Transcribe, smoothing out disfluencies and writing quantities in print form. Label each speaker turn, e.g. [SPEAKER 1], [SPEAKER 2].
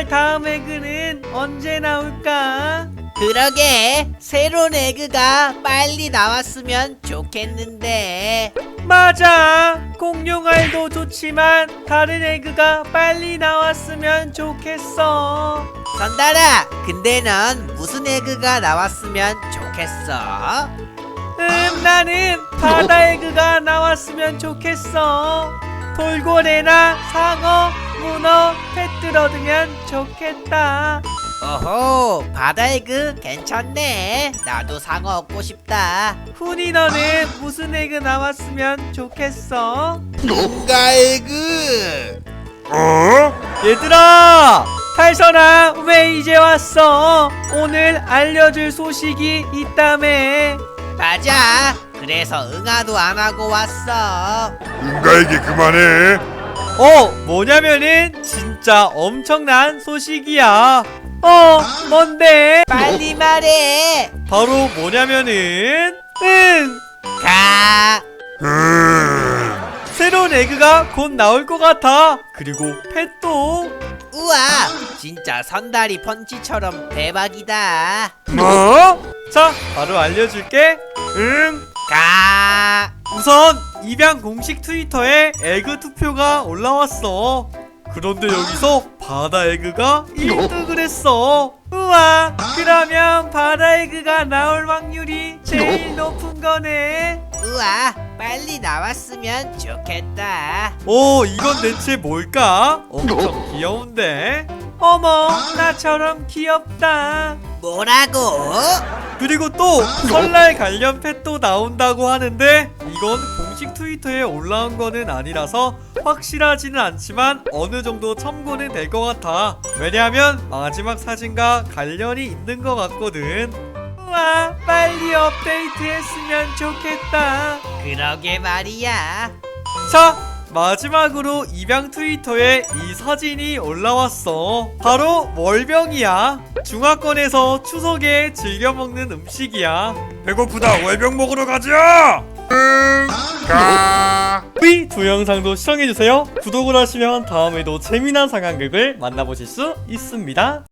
[SPEAKER 1] 정말 다음 에그는 언제 나올까?
[SPEAKER 2] 그러게, 새로운 에그가 빨리 나왔으면 좋겠는데.
[SPEAKER 1] 맞아. 공룡알도 좋지만 다른 에그가 빨리 나왔으면 좋겠어.
[SPEAKER 2] 선달아, 근데 넌 무슨 에그가 나왔으면 좋겠어?
[SPEAKER 1] 나는 바다 에그가 나왔으면 좋겠어. 돌고래나 상어, 문어, 펫들 얻으면 좋겠다.
[SPEAKER 2] 오호, 바다 에그 괜찮네. 나도 상어 얻고 싶다.
[SPEAKER 1] 훈이 너는 무슨 에그 나왔으면 좋겠어?
[SPEAKER 3] 응가 에그.
[SPEAKER 1] 얘들아! 탈선아, 왜 이제 왔어? 오늘 알려줄 소식이 있다며.
[SPEAKER 2] 맞아. 그래서 응아도 안 하고 왔어.
[SPEAKER 3] 응가 에그 그만해.
[SPEAKER 1] 뭐냐면은 진짜 엄청난 소식이야. 뭔데?
[SPEAKER 2] 빨리 말해.
[SPEAKER 1] 바로 뭐냐면은
[SPEAKER 2] 가.
[SPEAKER 1] 새로운 에그가 곧 나올 것 같아. 그리고 펫도.
[SPEAKER 2] 우와, 진짜 선다리 펀치처럼 대박이다.
[SPEAKER 1] 뭐? 자, 바로 알려줄게.
[SPEAKER 2] 가.
[SPEAKER 1] 우선 입양 공식 트위터에 에그 투표가 올라왔어. 그런데 여기서 바다 에그가 1등을 했어. 우와, 그러면 바다 에그가 나올 확률이 제일 높은 거네.
[SPEAKER 2] 우와, 빨리 나왔으면 좋겠다.
[SPEAKER 1] 이건 대체 뭘까? 엄청 귀여운데? 어머, 나처럼 귀엽다.
[SPEAKER 2] 뭐라고?
[SPEAKER 1] 그리고 또 설날 관련 펫도 나온다고 하는데 이건 공식 트위터에 올라온 거는 아니라서 확실하지는 않지만 어느 정도 참고는 될 것 같아. 왜냐하면 마지막 사진과 관련이 있는 것 같거든. 우와, 빨리 업데이트 했으면 좋겠다.
[SPEAKER 2] 그러게 말이야.
[SPEAKER 1] 자, 마지막으로 입양 트위터에 이 사진이 올라왔어. 바로 월병이야. 중화권에서 추석에 즐겨 먹는 음식이야.
[SPEAKER 3] 배고프다. 월병 먹으러 가자. 가.
[SPEAKER 1] 이 두 영상도 시청해주세요. 구독을 하시면 다음에도 재미난 상황극을 만나보실 수 있습니다.